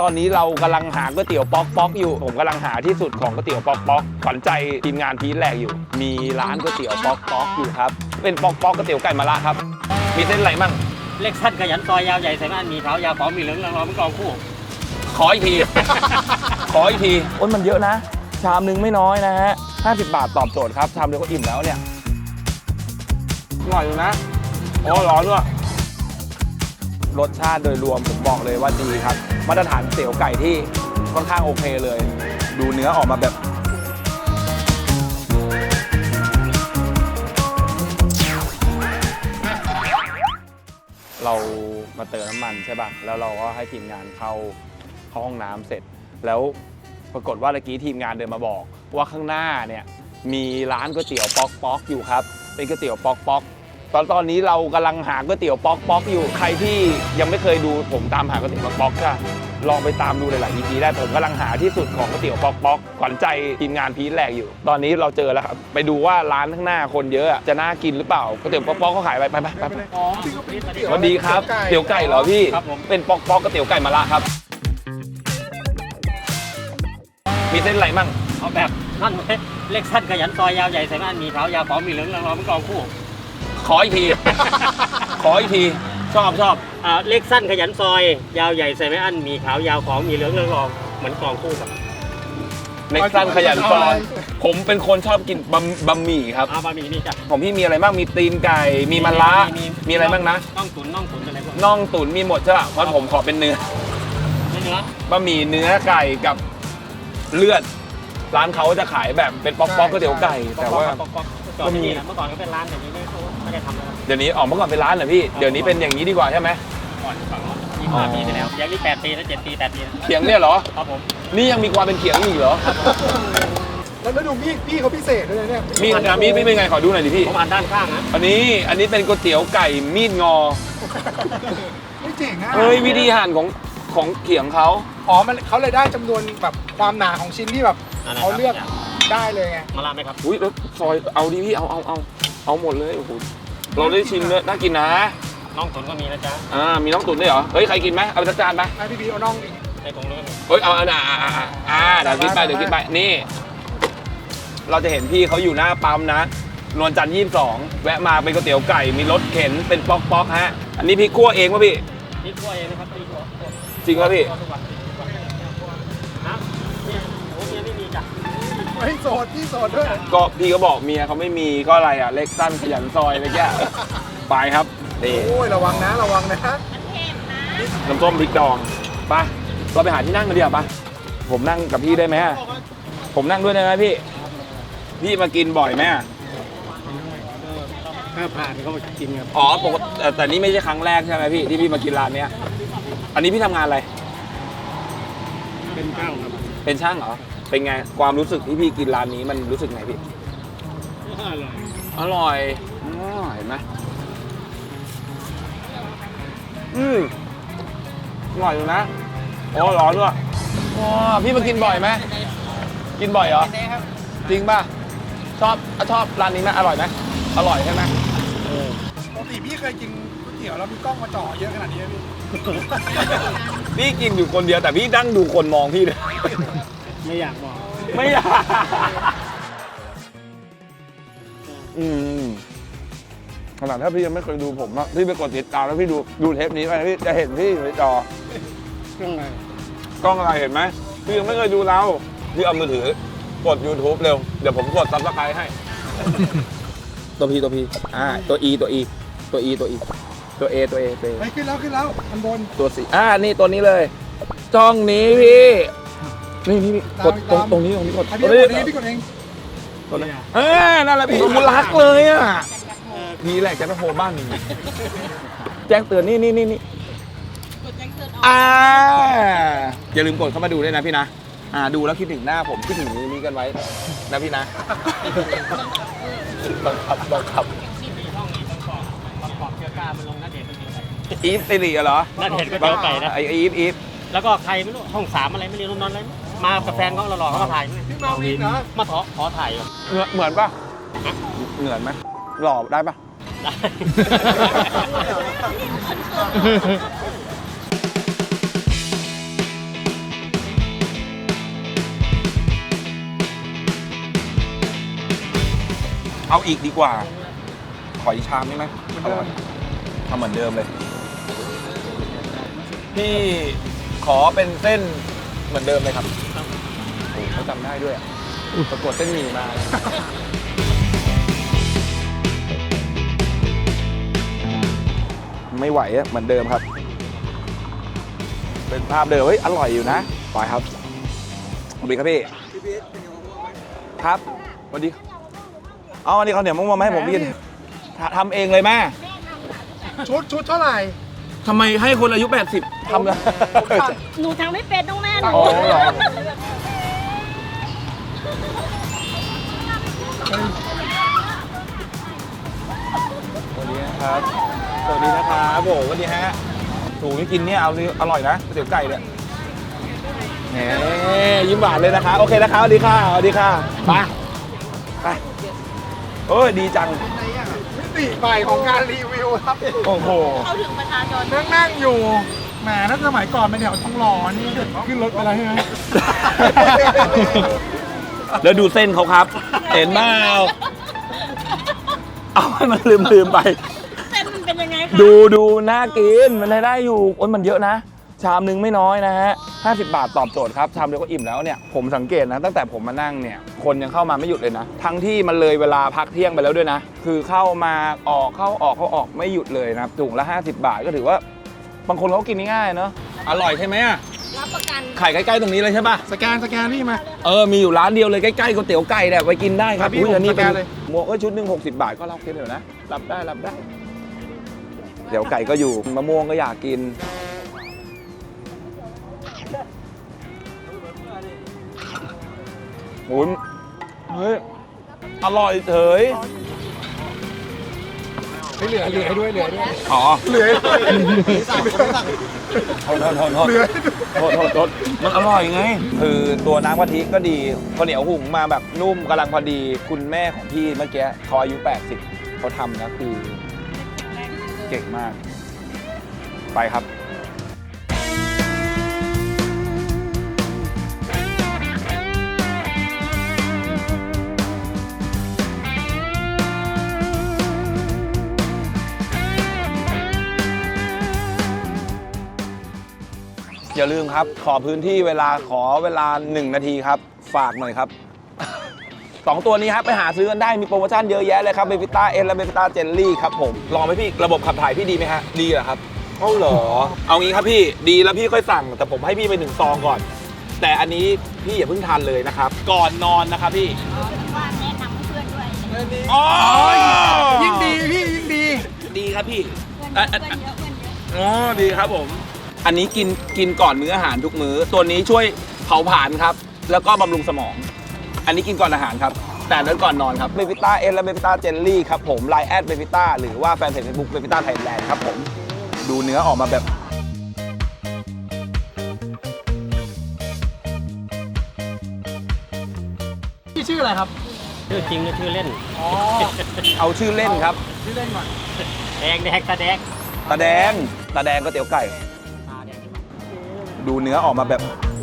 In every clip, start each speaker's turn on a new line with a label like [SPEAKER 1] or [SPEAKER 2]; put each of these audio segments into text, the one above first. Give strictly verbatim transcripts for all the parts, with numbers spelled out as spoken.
[SPEAKER 1] อนนี้เรากำลังหาก๋วยเตี๋ยวป๊อกป๊อกอยู่ผมกำลังหาที่สุดของก๋วยเตี๋ยวป๊อกป๊อกขวัญใจทีมงานพีทแรกอยู่มีร้านก๋วยเตี๋ยวป๊อกป๊อกอยู่ครับเป็นป๊อกป๊อกก๋วยเตี๋ยวไก่มะระครับมีเส้นอะไรมั่ง
[SPEAKER 2] เล็กสั้นขยันซอยยาวใหญ่ใส่บ้านมีขาวยาวของมีเหลืองรองเป็นกองคู่
[SPEAKER 1] ขออีกที ขออีกทีโอ้ยมันเยอะนะชามนึงไม่น้อยนะฮะห้าสิบบาทตอบโจทย์ครับชามเดียวก็อิ่มแล้วเนี่ยอร่อยอยู่นะโอ้ร้อนด้วยรสชาติโดยรวมผมบอกเลยว่าดีครับมาตรฐานเตี๋ยวไก่ที่ค่อนข้างโอเคเลยดูเนื้อออกมาแบบเรามาเติมน้ำมันใช่ป่ะแล้วเราก็ให้ทีมงานเข้าเข้าห้องน้ำเสร็จแล้วปรากฏว่าเมื่อกี้ทีมงานเดินมาบอกว่าข้างหน้าเนี่ยมีร้านก๋วยเตี๋ยวป๊อกป๊อกอยู่ครับเป็นก๋วยเตี๋ยวป๊อกป๊อกตอนตอนนี้เรากำลังหาก๋วยเตี๋ยวป๊อกป๊อกอยู่ใครที่ยังไม่เคยดูผมตามหาก๋วยเตี๋ยวป๊อกป๊อกก็ลองไปตามดูหลายๆ อี พี ได้ผมกำลังหาที่สุดของก๋วยเตี๋ยวป๊อกป๊อกขวัญใจทีมงานพีทแรกอยู่ตอนนี้เราเจอแล้วครับไปดูว่าร้านข้างหน้าคนเยอะจะน่ากินหรือเปล่าก๋วยเตี๋ยวป๊อกป๊อกเขาขายไปไปไปไปสวัสดีครับเตี๋ยวไก่เหรอพี่เป็นป๊อกป๊อกก๋วยเตี๋ยวไก่มะระครับมีเส้นอะไรมั่ง
[SPEAKER 2] เอาแบบนั่นไหมเล็กสั้นขยันซอยยาวใหญ่ใส่บ้านมีขาวยาวของมีเหลืองรองเป็นกองคู่
[SPEAKER 1] ขออีกที ขออีกที
[SPEAKER 2] ชอบชอบอ่าเล็กสั้นขยันซอยยาวใหญ่ใส่ไม่อั้นมีขาวยาวของมีเหลืองรองเหมือนกองคู่ครับ
[SPEAKER 1] เล็กสั้นขยันซอยผมเป็นคนชอบกินบะบะหมี่ครับ
[SPEAKER 2] อ่าบะหมี่นี่จ้ะ
[SPEAKER 1] ของพี่มีอะไรบ้างมีตีนไก่มีมะระมีอะไรบ้างนะ
[SPEAKER 2] น่องตุ๋นน่องตุ๋นอะไรบ้าง
[SPEAKER 1] น่องตุ๋นมีหมดใช่ป่ะเพราะผมขอเป็นเนื้อ
[SPEAKER 2] เนื้อบ
[SPEAKER 1] ะหมี่เนื้อไก่กับเลือดร้านเขาจะขายแบบเป็นป๊อกป๊อกก๋วยเตี๋ยวไก่แต่ว่า
[SPEAKER 2] ก็มีเมื่อก่อนก็เป็นร้านแต่นี้ไม่ได้ทำแล้ว
[SPEAKER 1] เดี๋ยวนี้ออกเมื่อก่อนเป็นร้านเหรอพี่เดี๋ยวนี้เป็นอย่างนี้ดีกว่าใช่ไหม
[SPEAKER 2] ก่อนฝั่งยี่สิบห้าปีไปแล้วยังนี่แปดปีแล้วเจ็ดปีแปดปี
[SPEAKER 1] เขียงเนี่ยเหรอ
[SPEAKER 2] ครับผม
[SPEAKER 1] นี่ยังมีความเป็นเขียงอีกเหรอ
[SPEAKER 3] แล้วแล้วดูมีดพี่เขาพิเศษด้วยเนี่ย
[SPEAKER 1] มีดนะมีดเป็นไงขอดูหน่อยดิพี่
[SPEAKER 2] ผมอ่านด้านข้างนะ
[SPEAKER 1] อันนี้อันนี้เป็นก๋วยเตี๋ยวไก่มีดงอ
[SPEAKER 3] ไม่เจ๋งอ่ะ
[SPEAKER 1] เฮ้ยวิธีหั่นของของเขียงเขา
[SPEAKER 3] อ๋อมันเขาเลยได้จำนวนแบบความหนาของชิ้นที่แบบเขาเลือกได้เลยไง
[SPEAKER 2] มาลาไหมครับ
[SPEAKER 1] อุ้ยแล้วซอยเอาดิพี่เอาเอาเอาเอาหมดเลยโอ้โหเราได้ชิมเนื้อน่ากินนะ
[SPEAKER 2] น่องตุ๋นก็มีนะจ๊ะ
[SPEAKER 1] อ่ามีน่องตุ๋นด้วยเหรอเฮ้ยใครกินไหมเอาไปจานไหม
[SPEAKER 3] ให้พี่พีเอาน่อง
[SPEAKER 2] ในถุงเลย
[SPEAKER 1] เฮ้ยเอาอ่าอ่าอ่าเดี๋ยวกินไปเดี๋ยวกินไปนี่เราจะเห็นพี่เขาอยู่หน้าปั๊มนะนวลจันทร์ยี่สิบสองแวะมาเป็นก๋วยเตี๋ยวไก่มีรถเข็นเป็นป๊อกป๊อกฮะอันนี้พี่คั่วเองป่ะพี่
[SPEAKER 2] พี่คั่วเองนะครับพี่คั่ว
[SPEAKER 1] จริงป่ะพี่
[SPEAKER 2] นะเนี่ยโอ้เมียไม่มีจ้ะ
[SPEAKER 3] ไม่โสดพี่โสดด้วย
[SPEAKER 1] ก็พี่ก็บอกเมียเขาไม่มีก็อะไรอ่ะเล็กสั้นขยันซอยอะไรแก่ไปครับนี่
[SPEAKER 3] โอ้ยระวังนะระวังนะ
[SPEAKER 1] น้ำส้มพริกดองไปเราไปหาที่นั่งกันดีกว่าปะผมนั่งกับพี่ได้ไหมผมนั่งด้วยได้ไหมพี่พี่มากินบ่อยไหม
[SPEAKER 2] ถ้าผ่านก็มากินครับ
[SPEAKER 1] อ๋อปกติแต่นี่ไม่ใช่ครั้งแรกใช่ไหมพี่ที่พี่มากินร้านเนี้ยอันนี้พี่ทำงานอะไร
[SPEAKER 2] เป็นช่างครับ
[SPEAKER 1] เป็นช่างเหรอเป็นไงความรู้สึกที่พี่กินร้านนี้มันรู้สึกไงพี่
[SPEAKER 2] อร่อย
[SPEAKER 1] อร่อยเห็นไหมอืมอร่อยอยู่นะโอ้ร้อนด้วยว้าพี่มากินบ่อยไหมกินบ่อยเหรอจริงป่ะชอบชอบร้านนี้ไหมอร่อยไหมอร่อยใช่ไหม
[SPEAKER 3] ปกติพี่เคยกินก๋วยเตี๋ยวแล้วมีกล้องมาจ่อเยอะขนาดนี้พี่
[SPEAKER 1] พี่กินอยู่คนเดียวแต่พี่นั่งดูคนมองพี่เลย
[SPEAKER 2] ไม่อยากบอก
[SPEAKER 1] ไม่อยากอืมขนาดถ้าพี่ยังไม่เคยดูผมอะพี่ไปกดติดตามแล้วพี่ดูดูเทปนี้ไปพี่จะเห็นพี่ในจอก
[SPEAKER 2] ล้องอะไร
[SPEAKER 1] กล้องอะไรเห็นไหมพี่ยังไม่เคยดูเราพี่เอามือถือกด YouTube เร็วเดี๋ยวผมกดซับสไครต์ให้ตัวพีตัวพีอ่าตัว E ตัว E ตัว E ตัว E ตัว A ตัว A ตัว A
[SPEAKER 3] ไปขึ้นแล้วขึ้นแล้วอันบน
[SPEAKER 1] ตัวสีอ่านี่ตัวนี้เลยจ้องนี้พี่นี่นี่กดตรงตรงนี้ตรงนี้กด
[SPEAKER 3] ตรงนี้พี่กดเอง
[SPEAKER 1] ตัวนี้เออนั่นแหละพี่มุรักเลยอ่ะนี่แหละจะไปโผล่บ้านแจ้งเตือนนี่นี่นี่นี่กดแจ้งเตือนอ่าอย่าลืมกดเข้ามาดูด้วยนะพี่นะอ่าดูแล้วคิดถึงหน้าผมคิดถึงนี้กันไว้นะพี่นะบังคับบังคับอีฟสิริเหรอ
[SPEAKER 2] น่าเห็นก๋วยเตี๋ยวไก่นะ
[SPEAKER 1] ไออีฟอีฟ
[SPEAKER 2] แล้วก็ใครไม่รู้ห้องสามอะไรไม่เรียนรุ่นนอนอะไรมากับแฟนเขาหล่อๆเขามาถ่าย
[SPEAKER 3] พี่มาวินนะ
[SPEAKER 2] มาขอขอถ่าย
[SPEAKER 1] เหมือนปะเหมือนไหมหล่อได้ปะ
[SPEAKER 2] ได้
[SPEAKER 1] เอาอีกดีกว่า ขออีกชามได้ไหม
[SPEAKER 3] เหมือนเดิม
[SPEAKER 1] ทำเหมือนเดิมเลย พี่ขอเป็นเส้นเหมือนเดิมเลยครับโอ้เขาจำได้ด้วยอะปรากฏเส้นหมี่มา ไม่ไหวอะเหมือนเดิมครับ เป็นภาพเดิมเฮ้ยอร่อยอยู่นะไปครับสวัสดีครับพี่ครับสวัสดีเอาอันนี้เขาวเหนียวมะม่วงมาให้ผมกินทำทำเองเลยแม่
[SPEAKER 3] ชุดชุดเท่าไหร่
[SPEAKER 1] ทำไมให้คนอายุแปดสิบทำเลย
[SPEAKER 4] หนูทำไม่เป็นต้องแม่หนู
[SPEAKER 1] อ๋อเหรอ สวัสดีนะครับ สวัสดีนะครับโบสวัสดีฮะถูกที่กินเนี่ยเอาสิอร่อยนะก๋วยเตี๋ยวไก่เนี่ยแหมยิ้มหวานเลยนะคะ โอเคนะคะสวัสดีค่ะสวัสดีค่ะไปไปเอ้ยดีจัง
[SPEAKER 3] มิติใหม่ของการรีวิวครับ
[SPEAKER 1] โอ้โห
[SPEAKER 4] เขาถึงประชาชน
[SPEAKER 3] นั่งนั่งอยู่แหมถ้าสมัยก่อนเป็นแถวทองหล่อนี่ขึ้นรถไปแล้วใช่ไหม
[SPEAKER 1] แล้วดูเส้นเขาครับ เห็นไหมเอาให้มันลืมลืมไป
[SPEAKER 4] เส้นมันเป็นยังไงคะ
[SPEAKER 1] ดูดูน่ากินมันได้อยู่โอ้ยมันเยอะนะ ชามหนึ่งไม่น้อยนะฮะห้าสิบบาทตอบโจทย์ครับชามเดียวก็อิ่มแล้วเนี่ยผมสังเกตนะตั้งแต่ผมมานั่งเนี่ยคนยังเข้ามาไม่หยุดเลยนะ ทั้งที่มันเลยเวลาพักเที่ยงไปแล้วด้วยนะ คือเข้ามาออกเข้าออกเข้าออกไม่หยุดเลยนะครับถุงละห้าสิบบาทก็ถือว่าบางคนเขากินง่ายๆเนาะอร่อยใช่ไหมอะ
[SPEAKER 4] รับประกัน
[SPEAKER 1] ไข่ใกล้ๆตรงนี้เลยใช่ปะ
[SPEAKER 3] สแกนสแกนนี่มา
[SPEAKER 1] เออมีอยู่ร้านเดียวเลยใกล้ๆก๋วยเตี๋ยวไก่เนี่ยไปกินได้ครับ
[SPEAKER 3] ครับพี่
[SPEAKER 1] อุ้ยอันนี้
[SPEAKER 3] ผมสแก
[SPEAKER 1] เป็น
[SPEAKER 3] นเลย
[SPEAKER 1] หมวกก็ชุดหนึ่งหกสิบบาทก็รับกินเดี๋ยวนะรับได้รับได้ เดี๋ยวไก่ก็อยู่มะม่วงก็อยากกินโอ้ยเฮ้ยอร่อยเฉย
[SPEAKER 3] เหลือเหลือให้ด้วยเหลือให้ด้วย
[SPEAKER 1] อ๋อ
[SPEAKER 3] เหลือให้ด้วย
[SPEAKER 1] โทษโทษโทษโทษ
[SPEAKER 3] เหลือ
[SPEAKER 1] โทษโทษโทษมันอร่อยไง คือตัวน้ำกะทิก็ดีข้าวเหนียวหุงมาแบบนุ่มกำลังพอดีคุณแม่ของพี่เมื่อกี้เขาอายุแปดสิบเขาทำนะคือเก่งมาก ไปครับ อย่าลืมครับ ขอพื้นที่เวลาขอเวลาหนึ่งนาทีครับ ฝากหน่อยครับ สองตัวนี้ครับไปหาซื้อกันได้มีโปรโมชั่นเยอะแยะเลยครับเบบิต้าเอ็นและเบบิต้าเจลลี่ครับผมลองไหมพี่ระบบขับถ่ายพี่ดีไหมฮะดีเหรอครับเอาเหรอเอางี้ครับพี่ดีแล้วพี่ค่อยสั่งแต่ผมให้พี่ไปหนึ่งซองก่อน แต่อันนี้พี่อย่าเพิ่งทานเลยนะครับ ก่อนนอนนะครับพี่
[SPEAKER 4] ว่าแนะนำเพื่อนด้วย
[SPEAKER 1] อ๋อ
[SPEAKER 3] ยิ่งดีพี่ยิ่งดี
[SPEAKER 1] ดีครับพี่
[SPEAKER 4] เพื่อนเพื่อนเยอะเพื่อนเยอะ
[SPEAKER 1] อ๋อดีครับผม อันนี้กินกินก่อนมื้ออาหารทุกมื้อตัวนี้ช่วยเผาผลาญครับ แล้วก็บำรุงสมอง อันนี้กินก่อนอาหารครับ แต่นั้นก่อนนอนครับเบบิต้าเอสและเบบิต้าเจลลี่ครับผมไลน์แอดเบบิต้าหรือว่าแฟนเพจเฟซบุ๊กเบบิต้าไทยแลนด์ครับผม ดูเนื้อออกมาแบบ
[SPEAKER 3] พี่ชื่ออะไรครับ
[SPEAKER 2] ชื่อจริงหรือชื่อเล่น
[SPEAKER 3] อ๋อ
[SPEAKER 1] เอาชื่อเล่นครับ
[SPEAKER 3] ชื่อเล่นก่อน
[SPEAKER 2] แดงแดงตาแดง
[SPEAKER 1] ตาแดงตาแดงก็เตี๋ยวไก่ ดูเนื้อออกมาแบบ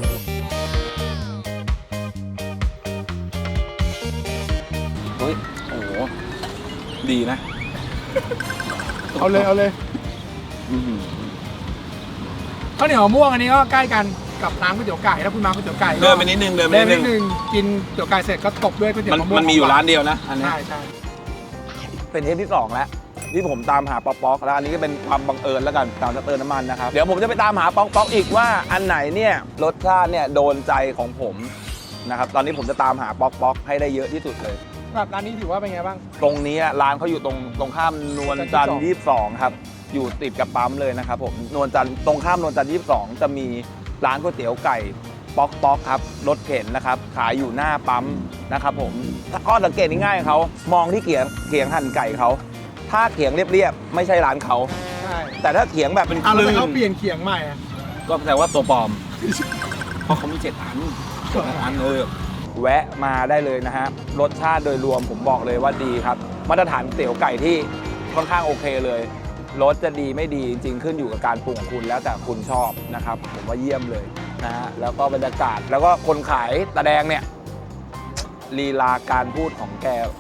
[SPEAKER 1] เฮ้ย โอ้โห ดีนะ
[SPEAKER 3] เอาเลยเอาเลย
[SPEAKER 1] อื้อหือ
[SPEAKER 3] ข้าวเหนียวมะม่วงอันนี้ก็ใกล้กันกับร้านก๋วยเตี๋ยวไก่ถ้าคุณมาก๋วยเตี๋ยวไก่
[SPEAKER 1] เดินไปนิดนึงเดินไป
[SPEAKER 3] เดิน
[SPEAKER 1] นิด
[SPEAKER 3] ไป
[SPEAKER 1] นึ
[SPEAKER 3] นิ
[SPEAKER 1] ง
[SPEAKER 3] ดนึงกินก๋วยเตี๋ยวไก่เสร็จก็ตบด้วยก๋วยเตี๋ยว
[SPEAKER 1] มัน
[SPEAKER 3] มะม่วง
[SPEAKER 1] มันมีอยู่ร้านเดียวนะ อันนี้
[SPEAKER 3] ใช่ใช่
[SPEAKER 1] เป็นเทปที่สองแล้วที่ผมตามหาป๊อกป๊อกแล้วอันนี้ก็เป็นความบังเอิญแล้วกันตามจะเติมน้ำมันนะครับ เดี๋ยวผมจะไปตามหาป๊อกป๊อกอีกว่าอันไหนเนี่ยรสชาติเนี่ยโดนใจของผมนะครับตอนนี้ผมจะตามหาป๊อกป๊อกให้ได้เยอะที่สุดเลย
[SPEAKER 3] แบบร้านนี้ถือว่าเป็นไงบ้าง
[SPEAKER 1] ตรงนี้ร้านเขาอยู่ตรงตรงข้ามนวลจันทร์ยี่สิบสองครับอยู่ติดกับปั๊มเลยนะครับผมนวลจันทร์ตรงข้ามนวลจันทร์ยี่สิบสองจะมีร้านก๋วยเตี๋ยวไก่ป๊อกป๊อกครับรถเข็นนะครับขายอยู่หน้าปั๊มนะครับผมถ้าข้อสังเกตง่ายๆเขามองที่เขียงเขียงหั่นไก่เขาถ้าเขียงเรียบๆไม่ใช่ร้านเขา
[SPEAKER 3] ใช่
[SPEAKER 1] แต่ถ้าเขียงแบบเป็นค
[SPEAKER 3] อ่ะแล้ว
[SPEAKER 1] ลื่
[SPEAKER 3] ทำไม
[SPEAKER 1] น
[SPEAKER 3] เขาเปลี่ยนเขียงใหม่อะ
[SPEAKER 1] ก็แปลว่าตัวปลอม เพราะเขามีเจ็ดอันเจ็ดอันเออแวะมาได้เลยนะฮะรสชาติโดยรวมผมบอกเลยว่าดีครับ มาตรฐานเตี๋ยวไก่ที่ค่อนข้างโอเคเลยรสจะดีไม่ดีจริงๆขึ้นอยู่กับการปรุงของคุณแล้วแต่คุณชอบนะครับ ผมว่าเยี่ยมเลยนะฮะแล้วก็บรรยากาศแล้วก็คนขายตาแดงเนี่ยลีลาการพูดของแก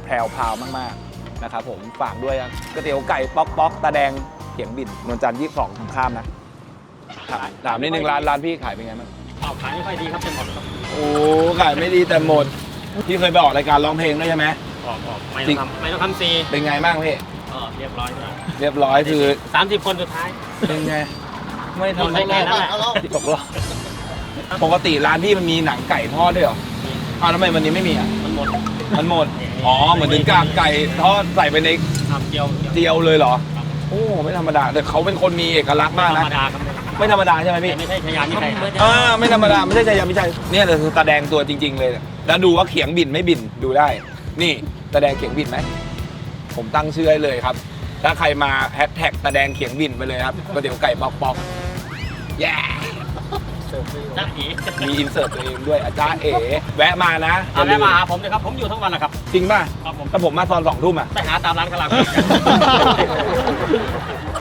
[SPEAKER 1] แพรวพราวมากๆนะครับผมฝากด้วยครับก๋วยเตี๋ยวไก่ป๊อกป๊อกตาแดงเขียงบินนวลจันทร์ยี่สิบสองทางข้ามนะถามถามนิดนึงร้านร้านพี่ขายเป็นไงบ้าง
[SPEAKER 2] เอาขายไม่ค่อยดีครับจะหมดครับ
[SPEAKER 1] โอ้ขายไม่ดีแต่หมดพี่เคยไปออกรายการร้องเพลงด้วยใช่ไหม
[SPEAKER 2] ออกออกไม่
[SPEAKER 1] จริ
[SPEAKER 2] ต้อง
[SPEAKER 1] ง
[SPEAKER 2] ทำไม่ต้องทำซี
[SPEAKER 1] เป็นไงบ้างพี่
[SPEAKER 2] ก็เรียบร้อยแล้ว
[SPEAKER 1] เรียบร้อยคือ
[SPEAKER 2] สามสิบคนสุดท้าย
[SPEAKER 1] เป็นไงไม่ทำ
[SPEAKER 2] ได้แค่นั้นแหละ
[SPEAKER 1] ตกรอบปกติร้านพี่มันมีหนังไก่ทอดด้วยเหรออ้าวทำไมวันนี้ไม่มีอ่ะ
[SPEAKER 2] มันหมด
[SPEAKER 1] มันหมดอ๋อเหมือนถึงกากไก่ทอดใส่ไปใน
[SPEAKER 2] ทำเจียว
[SPEAKER 1] เจียวเลยเหรอโอ้ไม่ธรรมดาแต่เขาเป็นคนมีเอกลักษณ์มาก
[SPEAKER 2] ธร
[SPEAKER 1] นะ
[SPEAKER 2] รมดาครับ
[SPEAKER 1] ไม่ธรรมดาใช่ไหมพี่
[SPEAKER 2] ไม่ใช่ชายามิชัยครับ
[SPEAKER 1] อ่าไม่ธรรมดาไม่ใช่ชายาไม่ใช่เนี่ยแต่คือตาแดงตัวจริง ๆ เลยแล้วดูว่าเขียงบินไม่บินดูได้ นี่ตาแดงเขียงบินไหมผมตั้งชื่อให้เลยครับ ถ้าใครมาแฮชแท็กตาแดงเขียงบินไปเลยครับก๋วยเตี๋ยวไก่ป๊อกป๊อกแย่
[SPEAKER 2] จ้าเอ๋
[SPEAKER 1] มีอินเสิร์ตตัวเองด้วยอาจารย์เอ๋แวะมานะ
[SPEAKER 2] เอาแม่มาหาผมเลยครับผมอยู่ทั้งวันแหละครับ
[SPEAKER 1] จริงป่ะ
[SPEAKER 2] ครับผม
[SPEAKER 1] ถ้าผมมาตอนสองทุ่มอ่ะ
[SPEAKER 2] ไปหาตามร้านกะหล่